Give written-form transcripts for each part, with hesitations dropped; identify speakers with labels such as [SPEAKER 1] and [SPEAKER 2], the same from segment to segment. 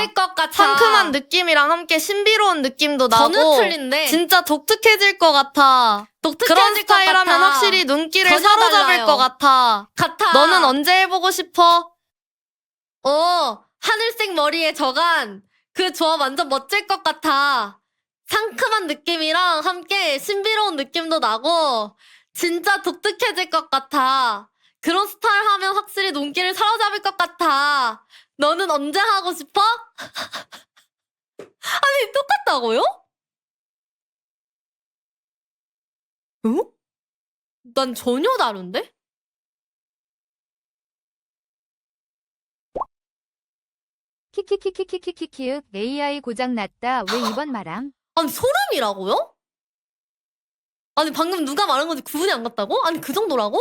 [SPEAKER 1] 멋질 것 같아.
[SPEAKER 2] 상큼한 느낌이랑 함께 신비로운 느낌도 나고
[SPEAKER 1] 전혀 틀린데.
[SPEAKER 2] 진짜 독특해질 것 같아.
[SPEAKER 1] 독특해질
[SPEAKER 2] 그런
[SPEAKER 1] 것
[SPEAKER 2] 스타일하면
[SPEAKER 1] 같아.
[SPEAKER 2] 확실히 눈길을
[SPEAKER 1] 전혀
[SPEAKER 2] 사로잡을
[SPEAKER 1] 달라요.
[SPEAKER 2] 것 같아. 너는 언제 해보고 싶어?
[SPEAKER 1] 하늘색 머리에 저간 그 조합 완전 멋질 것 같아. 상큼한 느낌이랑 함께 신비로운 느낌도 나고 진짜 독특해질 것 같아. 그런 스타일 하면 확실히 눈길을 사로잡을 것 같아. 너는 언제 하고 싶어? 아니, 똑같다고요? 응? 난 전혀 다른데?
[SPEAKER 3] 키키키키키키키키윽 AI 고장났다. 왜 이번 말함?
[SPEAKER 1] 아니, 소름이라고요? 아니, 방금 누가 말한 건지 구분이 안 갔다고? 아니, 그 정도라고?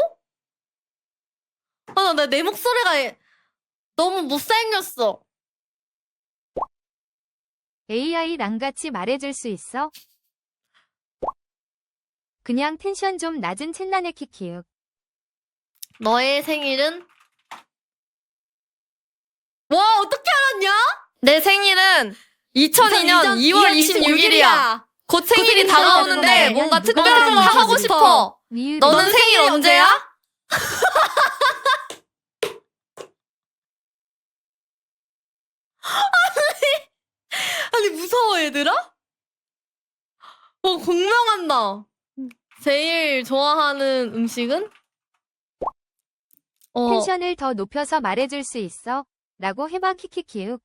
[SPEAKER 1] 아, 내 목소리가 너무 못생겼어.
[SPEAKER 3] AI 랑같이 말해줄 수 있어? 그냥 텐션 좀 낮은 챗나네 키키윽.
[SPEAKER 1] 너의 생일은? 와, 어떻게 알았냐?
[SPEAKER 2] 내 생일은 2002년 2월 26일이야. 곧 생일이
[SPEAKER 1] 생일이
[SPEAKER 2] 다가오는데
[SPEAKER 3] 다가오는데
[SPEAKER 2] 뭔가
[SPEAKER 3] 누가
[SPEAKER 2] 특별한 거
[SPEAKER 3] 생일이
[SPEAKER 2] 하고
[SPEAKER 1] 싶어?
[SPEAKER 2] 싶어.
[SPEAKER 3] 니은
[SPEAKER 2] 너는 생일 언제야?
[SPEAKER 1] 아니, 무서워, 얘들아? 공명한다. 제일 좋아하는 음식은?
[SPEAKER 3] 텐션을 더 높여서 말해줄 수 있어? 라고 해봐 키키키윽.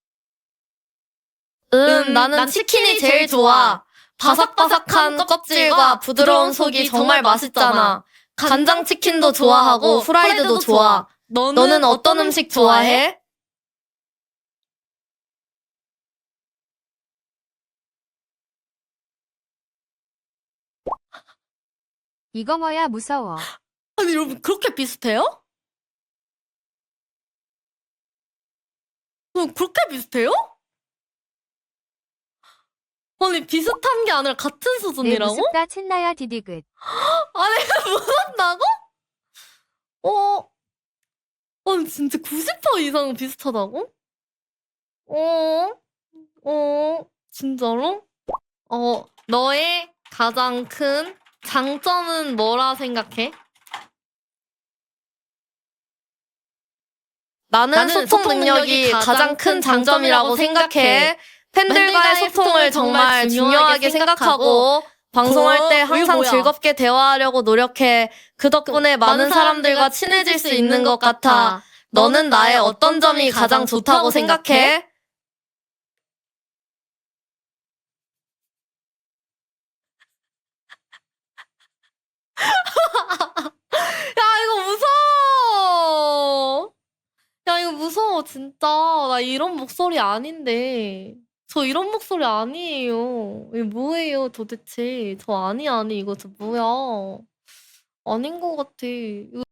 [SPEAKER 2] 나는 치킨이 제일 좋아. 바삭바삭한 껍질과 부드러운 속이 정말 맛있잖아. 간장치킨도 좋아하고 후라이드도 좋아. 너는 어떤 음식 좋아해?
[SPEAKER 3] 이거 뭐야 무서워.
[SPEAKER 1] 아니, 여러분, 그렇게 비슷해요? 그렇게 비슷해요? 아니, 비슷한 게 아니라 같은
[SPEAKER 3] 내
[SPEAKER 1] 수준이라고?
[SPEAKER 3] 무섭다 챗나야 디디긋.
[SPEAKER 1] 아니, 무섭다고? 아니, 진짜 90% 이상 비슷하다고? 진짜로? 너의 가장 큰 장점은 뭐라 생각해?
[SPEAKER 2] 나는 소통 능력이 가장 큰 장점이라고 생각해. 팬들과의 소통을 정말 중요하게 생각하고 방송할 때 항상
[SPEAKER 1] 뭐야?
[SPEAKER 2] 즐겁게 대화하려고 노력해. 그 덕분에 많은 사람들과 친해질 수 있는 것 같아. 너는 나의 어떤 점이 가장 좋다고 생각해?
[SPEAKER 1] 야, 이거 무서워! 야, 이거 무서워, 진짜. 나 이런 목소리 아닌데. 저 이런 목소리 아니에요. 이게 뭐예요, 도대체. 저 아니, 이거 저 뭐야. 아닌 것 같아. 이거